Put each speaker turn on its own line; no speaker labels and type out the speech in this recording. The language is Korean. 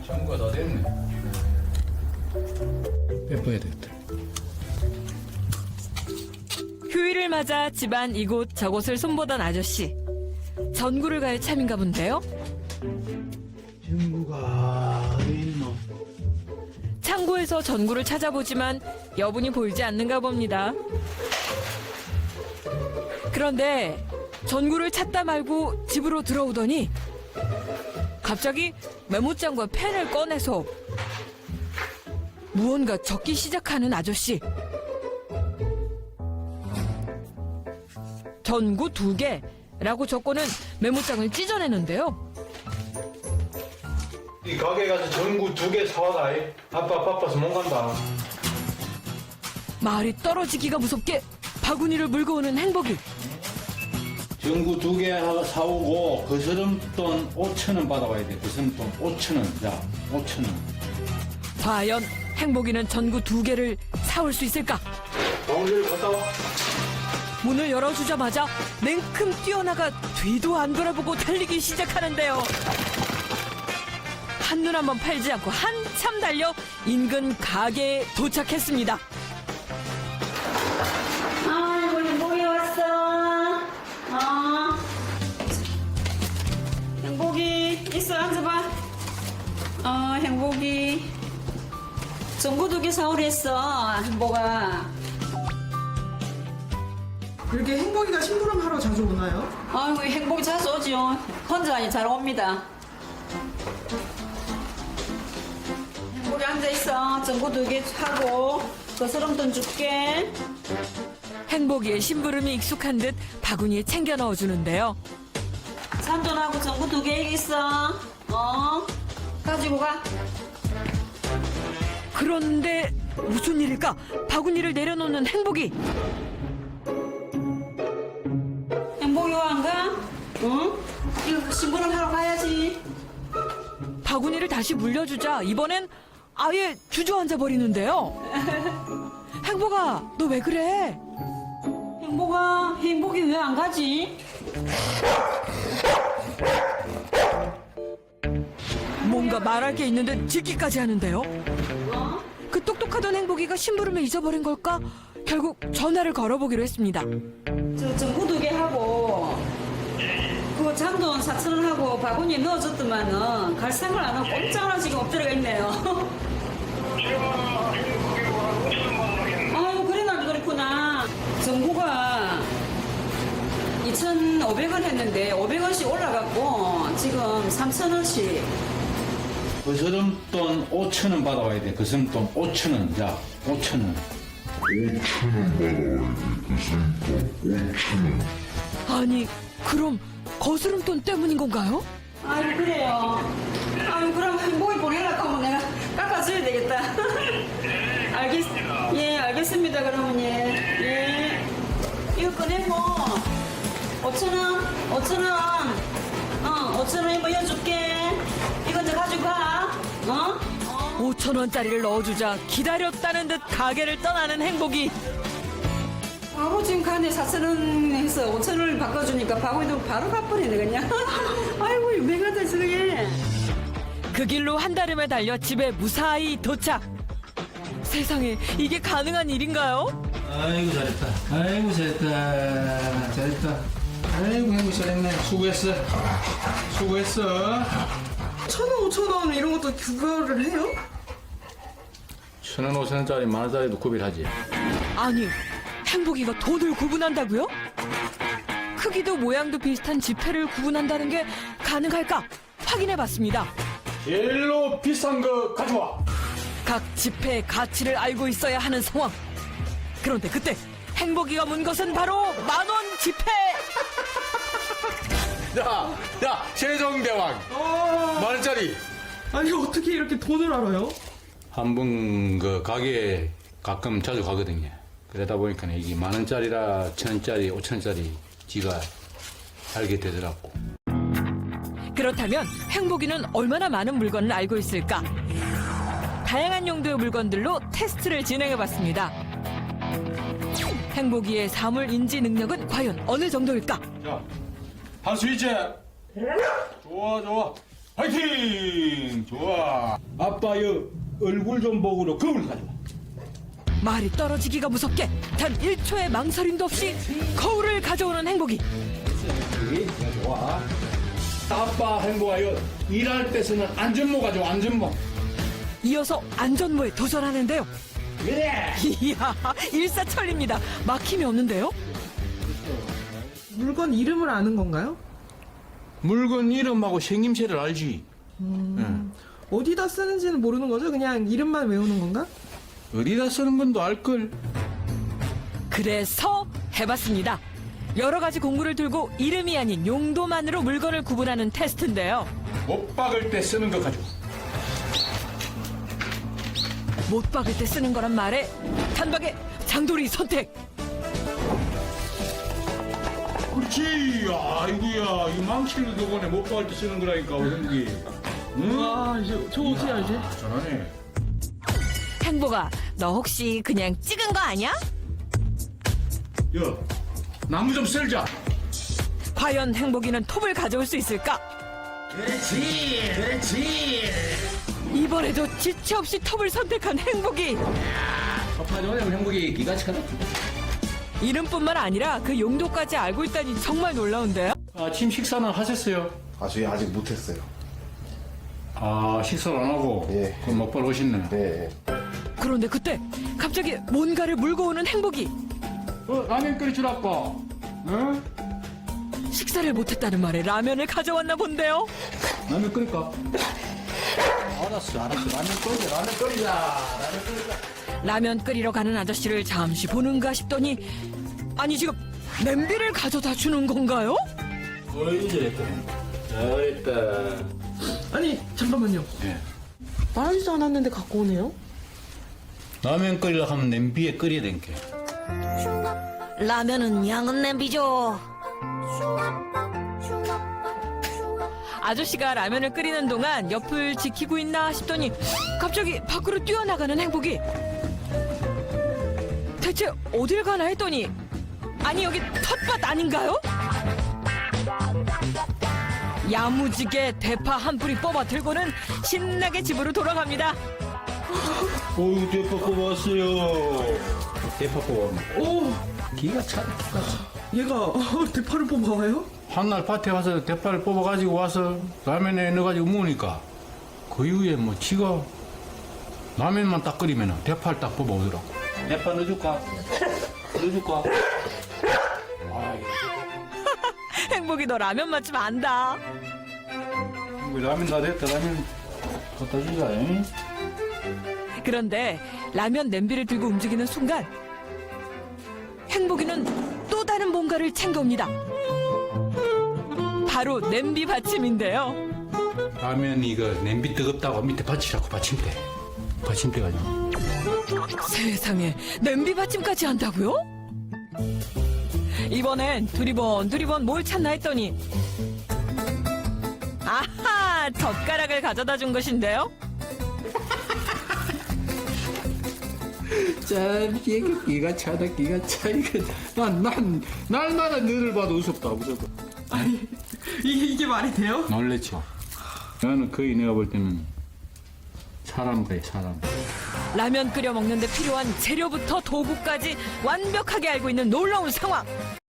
전구가 다 됐네. 빼봐야 되겠다.
휴일을 맞아 집안 이곳 저곳을 손보던 아저씨. 전구를 갈 참인가 본데요.
전구가 어디 있노?
창고에서 전구를 찾아보지만 여분이 보이지 않는가 봅니다. 그런데 전구를 찾다 말고 집으로 들어오더니 갑자기 메모장과 펜을 꺼내서 무언가 적기 시작하는 아저씨. 전구 2개라고 적고는 메모장을 찢어내는데요.
이 가게 가서 전구 2개 사와라. 아빠 바빠서 못 간다.
말이 떨어지기가 무섭게 바구니를 물고 오는 행복이.
전구 2개 사오고 거스름돈 5,000원 받아와야 돼. 거스름돈 5,000원. 자, 5,000원.
과연 행복이는 전구 2개를 사올 수 있을까?
방울을 갔다 와.
문을 열어주자마자 냉큼 뛰어나가 뒤도 안 돌아보고 달리기 시작하는데요. 한눈 한번 팔지 않고 한참 달려 인근 가게에 도착했습니다.
아이고 행복이 왔어. 행복이 있어 앉아봐. 행복이 전구 2개 사오랬어. 행복아.
그렇게 행복이가 심부름하러 자주 오나요?
아이고 행복이 자주 오죠. 혼자 아니 잘 옵니다. 행복이 앉아있어. 전구 2개 하고 거스름돈 줄게.
행복이의 심부름이 익숙한 듯 바구니에 챙겨 넣어주는데요.
산돈하고 전구 2개 있어. 가지고 가.
그런데 무슨 일일까? 바구니를 내려놓는 행복이.
행복이 와 안 가? 응? 이거 심부름 하러 가야지.
바구니를 다시 물려주자 이번엔 아예 주저앉아 버리는데요. 행복아, 너 왜 그래?
행복이 왜 안 가지?
뭔가 말할 게 있는 듯 짖기까지 하는데요. 그 똑똑하던 행복이가 심부름을 잊어버린 걸까? 결국 전화를 걸어보기로 했습니다.
저 전구 2개 하고 그 잔돈 4,000원 하고 바구니에 넣어줬더만은 갈 생각을 안 하고 꼼짝을 지금 엎드려가 있네요. 아유 그래 나도 그랬구나. 전구가 2,500원 했는데 500원씩 올라갔고 지금 3,000원씩.
거스름돈 5,000원 받아와야 돼. 거스름돈 5,000원. 자, 5,000원.
5,000원 받아와야 돼. 그 돈돈 5,000원.
아니, 그럼 거스름돈 때문인 건가요?
아유 그래요. 아유 그럼 행복이 보내려고 하면 내가 깎아줘야 되겠다. 예 알겠습니다 그러면 예. 이거 꺼내고 5,000원 5,000원 이거 여줄게. 이거 이제 가지고 가.
5,000원짜리를 넣어주자 기다렸다는 듯 가게를 떠나는 행복이.
바로 지금 가네 4,000원 해서 5,000원을 바꿔주니까 바구니도 바로 가버리네 그냥. 아이고 유명하다 저게.
그 길로 한달음에 달려 집에 무사히 도착. 세상에 이게 가능한 일인가요?
아이고, 잘했다. 아이고, 잘했다. 잘했다. 아이고, 행복 잘했네. 수고했어.
1,000원, 5,000원 이런 것도 구별을 해요?
1,000원, 5,000원짜리, 만원짜리도 구별하지.
아니, 행복이가 돈을 구분한다고요? 크기도 모양도 비슷한 지폐를 구분한다는 게 가능할까? 확인해봤습니다.
제일로 비싼 거 가져와.
각 지폐의 가치를 알고 있어야 하는 상황. 그런데 그때 행복이가 문 것은 바로 10,000원 지폐.
야, 세종대왕. 만원짜리.
아니 어떻게 이렇게 돈을 알아요?
한 번 그 가게에 가끔 자주 가거든요. 그러다 보니까 이게 만원짜리라 1,000원짜리, 5,000원짜리 지가 알게 되더라고.
그렇다면 행복이는 얼마나 많은 물건을 알고 있을까? 다양한 용도의 물건들로 테스트를 진행해봤습니다. 행복이의 사물 인지 능력은 과연 어느 정도일까?
자, 한수 있지? 좋아. 화이팅! 좋아. 아빠의 얼굴 좀 보고로 거울 가져와.
말이 떨어지기가 무섭게 단 1초의 망설임도 없이 거울을 가져오는 행복이.
좋아. 아빠 행복하여 일할 때 쓰는 안전모 가져와, 안전모.
이어서 안전모에 도전하는데요.
그래!
이야, 일사천리입니다. 막힘이 없는데요?
물건 이름을 아는 건가요?
물건 이름하고 생김새를 알지.
어디다 쓰는지는 모르는 거죠? 그냥 이름만 외우는 건가?
어디다 쓰는 건도 알걸.
그래서 해봤습니다. 여러 가지 공구를 들고 이름이 아닌 용도만으로 물건을 구분하는 테스트인데요.
못 박을 때 쓰는 거 가져와.
못 박을 때 쓰는 거란 말에 단박에 장돌이 선택.
그렇지. 아이고야, 이 망치를 덕분에 못 박을 때 쓰는 거라니까, 우리. 응?
아, 이제 저 어떻게 알지?
잘하네.
행복아, 너 혹시 그냥 찍은 거 아니야?
야, 나무 좀 썰자.
과연 행복이는 톱을 가져올 수 있을까?
그렇지, 그렇지.
이번에도 지체 없이 톱을 선택한 행복이.
아빠 전에 행복이 기가 차다.
이름뿐만 아니라 그 용도까지 알고 있다니 정말 놀라운데요?
아침 식사는 하셨어요?
저희 아직 못했어요.
아, 식사를 안 하고?
예.
그럼 먹방 오셨네.
네.
그런데 그때 갑자기 뭔가를 물고 오는 행복이.
라면 끓여주라고. 응?
식사를 못했다는 말에 라면을 가져왔나 본데요?
라면 끓일까? 알았어. 라면 끓이자.
라면 끓이러 가는 아저씨를 잠시 보는가 싶더니 아니 지금 냄비를 가져다 주는 건가요?
어이, 잘했다.
아니, 잠깐만요.
예.
말하지도 않았는데 갖고 오네요?
라면 끓이려 하면 냄비에 끓여야 되니까.
라면은 양은 냄비죠. 아저씨가 라면을 끓이는 동안 옆을 지키고 있나 싶더니 갑자기 밖으로 뛰어나가는 행복이. 대체 어딜 가나 했더니 아니 여기 텃밭 아닌가요? 야무지게 대파 한 뿌리 뽑아 들고는 신나게 집으로 돌아갑니다.
어이구, 대파 뽑았어요. 대파 뽑았네.
오,
기가 차다, 기가 차.
얘가 대파를 뽑아와요?
한날 밭에 와서 대파를 뽑아가지고 와서 라면에 넣어가지고 먹으니까 그 이후에 뭐 지가 라면만 딱 끓이면 대파를 딱 뽑아오더라고. 대파 넣어줄까? 넣어줄까?
행복이 너 라면 맛집 안다.
라면 다 됐다. 라면 갖다 주자. 잉?
그런데 라면 냄비를 들고 움직이는 순간 행복이는 또 다른 뭔가를 챙겨옵니다. 바로 냄비 받침인데요.
라면 이거 냄비 뜨겁다고 밑에 받치라고 받침대. 받침대 가지고.
세상에 냄비 받침까지 한다고요? 이번엔 두리번 뭘 찾나 했더니 아하, 젓가락을 가져다 준 것인데요.
참, 기가 차다, 기가 차. 이거 날마다 너를 봐도 무섭다, 무섭다.
아니, 이게 말이 돼요?
놀랬죠. 나는 거의 내가 볼 때는 사람 같아, 사람.
라면 끓여 먹는데 필요한 재료부터 도구까지 완벽하게 알고 있는 놀라운 상황.